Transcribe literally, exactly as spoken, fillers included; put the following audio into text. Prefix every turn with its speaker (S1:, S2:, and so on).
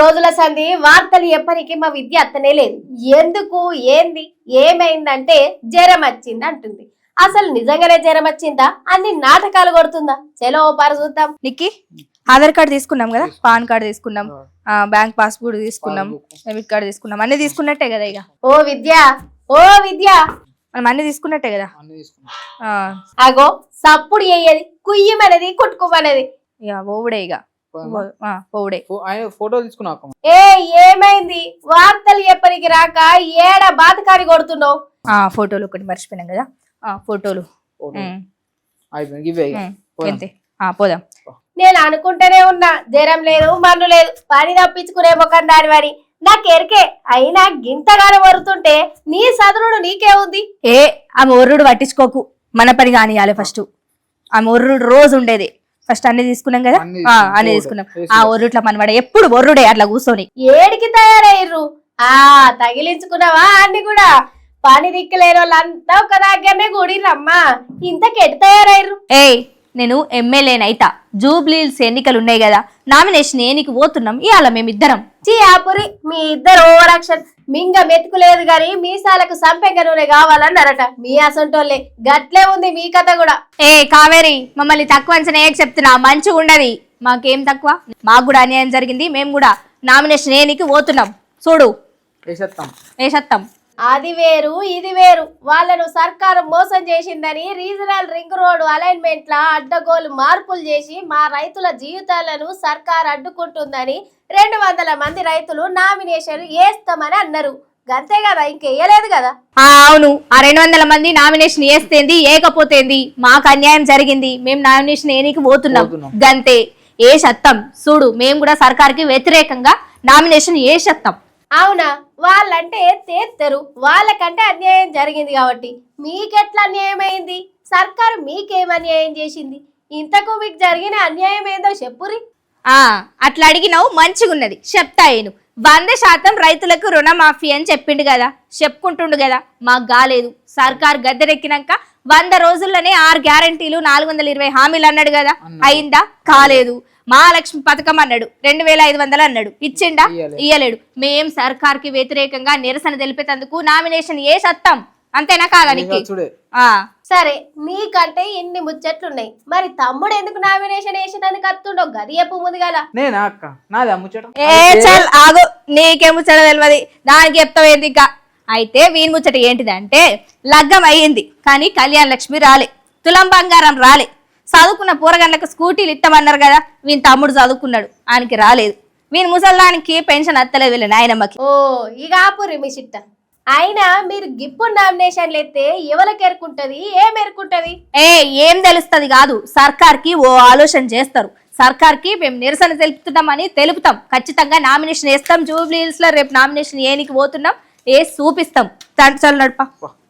S1: రోజుల సంధి వార్తలు ఎప్పటికీ మా విద్య అత్తనే లేదు. ఎందుకు ఏంది ఏమైందంటే జ్వరం వచ్చింది అంటుంది. అసలు నిజంగానే జ్వరం వచ్చిందా అన్ని నాటకాలు కొడుతుందా? చలో పార చూద్దాం.
S2: నిక్కి ఆధార్ కార్డు తీసుకున్నాం కదా, పాన్ కార్డు తీసుకున్నాం, బ్యాంక్ పాస్బుక్ తీసుకున్నాం, డెబిట్ కార్డు తీసుకున్నాం, అన్ని తీసుకున్నట్టే కదా. ఇక
S1: ఓ విద్య ఓ విద్య
S2: మనం అన్ని తీసుకున్నట్టే కదా.
S1: అగో సప్పుడు అయ్యేది కుయ్యమనేది కుట్టుకోమనేది
S2: ఇక ఓవుడే ఇక పోవుడే.
S3: ఫోటో తీసుకున్నా
S1: ఏ ఏమైంది? వార్తలు ఎప్పటికి రాక ఏడ బాతకారి కొడుతున్నావు?
S2: ఆ ఫోటోలు ఒకటి మర్చిపోయినాం కదా, ఆ ఫోటోలు అంతే. పోదాం.
S1: నేను అనుకుంటూనే ఉన్నా జ్వరం లేదు మన్ను లేదు పని తప్పించుకునే ముఖం దాని వారి నాకెరికే. అయినా గింతగానే వరుతుంటే నీ సదురుడు నీకే ఉంది.
S2: ఏ ఆమె ఒర్రుడు పట్టించుకోకు, మన పని కానియాలి ఫస్ట్. ఆమె ఒర్రుడు రోజు ఉండేది. ఫస్ట్ అన్ని తీసుకున్నాం కదా, అన్ని తీసుకున్నాం. ఆ ఒర్రుట్ల మనవాడ ఎప్పుడు ఒర్రుడే అట్లా కూర్చొని.
S1: ఏడికి తయారయ్యర్రు? ఆ తగిలించుకున్నావా అన్ని కూడా? పని దిక్కులేని వాళ్ళంతా ఒక దగ్గరనే కూడిరమ్మా. ఇంతకెటు తయారయ్యర్రు?
S2: ఏయ్ నేను ఎమ్మెల్యేనైతా, జూబ్లీల్స్ ఎన్నికలు ఉన్నాయి కదా, నామినేషన్ ఏనికి పోతున్నాం ఇవాళ మేమిద్దరం.
S1: చీ ఆపురి, మీ ఇద్దరు ఓవర్ యాక్షన్. మింగ మెతుకులేదు గాని మీసాలకు సంపెంగ నూనె కావాలన్నారట మీ అసంటోళ్ళే. గట్లే ఉంది మీ కథ కూడా.
S2: ఏ కావేరి, మమ్మల్ని తక్కువ అంచనా ఏకి చెప్తున్నా, మంచిగా ఉండదు. మాకేం తక్కువ, మాకు కూడా అన్యాయం జరిగింది. మేము కూడా నామినేషన్ ఏనికి పోతున్నాం. చూడు వేసేస్తాం.
S1: అది వేరు ఇది వేరు. వాళ్ళను సర్కారు మోసం చేసిందని రీజనల్ రింగ్ రోడ్ అలైన్మెంట్ లా అడ్డగోలు మార్పులు చేసి మా రైతుల జీవితాలను సర్కారు అడ్డుకుంటుందని రెండు వందల మంది రైతులు నామినేషన్ వేస్తామని అన్నారు. అంతే కదా, ఇంకెయ్యలేదు కదా.
S2: అవును, ఆ రెండు వందల మంది నామినేషన్ వేస్తేంది ఏకపోతేంది, మాకు అన్యాయం జరిగింది, మేము నామినేషన్ ఏనికి పోతున్నాం గంతే. ఏ సత్తం చూడు, మేము కూడా సర్కార్కి వ్యతిరేకంగా నామినేషన్ ఏ సత్తం.
S1: అవునా? వాళ్ళంటే తేత్తరు, వాళ్ళకంటే అన్యాయం జరిగింది కాబట్టి మీకెట్లా అన్యాయం అయింది? సర్కారు మీకేం అన్యాయం చేసింది? ఇంతకు మీకు జరిగిన అన్యాయం ఏందో చెప్పురి.
S2: ఆ అట్లా అడిగినావు, మంచిగున్నది, చెప్తాయేను. వంద శాతం రైతులకు రుణమాఫీ అని చెప్పిండు కదా, చెప్పుకుంటుండు కదా. మాకు కాలేదు. సర్కార్ గద్దెరెక్కినాక వంద రోజుల్లోనే ఆరు గ్యారంటీలు నాలుగు వందల ఇరవై హామీలు అన్నాడు కదా, అయిందా? కాలేదు. మహాలక్ష్మి పథకం అన్నాడు, రెండు వేల ఐదు వందలు అన్నాడు, ఇచ్చిండా? ఇయ్యలేడు. మేం సర్కార్ కి వ్యతిరేకంగా నిరసన తెలిపేందుకు నామినేషన్ ఏ సత్తాం. అంతేనా కాదా నీకు?
S1: సరే, నీకంటే ఇన్ని ముచ్చట్లున్నాయి, మరి తమ్ముడు ఎందుకు నామినేషన్ వేసినందుకు అత్తుండో గది చెప్పు ముందుగాల.
S2: ఆగు, నీకే ముచ్చట తెలియదు, దానికి చెప్తావేంది ఇంకా. అయితే వీని ముచ్చట ఏంటిదంటే, లగ్గం అయ్యింది కానీ కళ్యాణ లక్ష్మి రాలే, తులం బంగారం రాలే. చదువుకున్న పూరగండ్లకు స్కూటీలు ఇస్తామన్నారు కదా, వీని తమ్ముడు చదువుకున్నాడు, ఆయనకి రాలేదు. వీని ముసల్దానికి పెన్షన్ అత్తలేదు వీళ్ళ నాయనమ్మకి.
S1: ఓ ఇక ఆపురి మీ చిట్ట. అయినా మీరు గిప్పుడు నామినేషన్లు ఎత్తే ఎవరికి ఎరుకుంటది, ఏం ఎరుకుంటది?
S2: ఏ ఏం తెలుస్తుంది కాదు, సర్కార్కి ఓ ఆలోచన చేస్తారు. సర్కార్కి మేము నిరసన తెలుపుతున్నామని తెలుపుతాం. ఖచ్చితంగా నామినేషన్ వేస్తాం. జూబ్లీహిల్స్ లో రేపు నామినేషన్ ఏనికి పోతున్నాం, ఏ చూపిస్తాం. తండ్రి నడప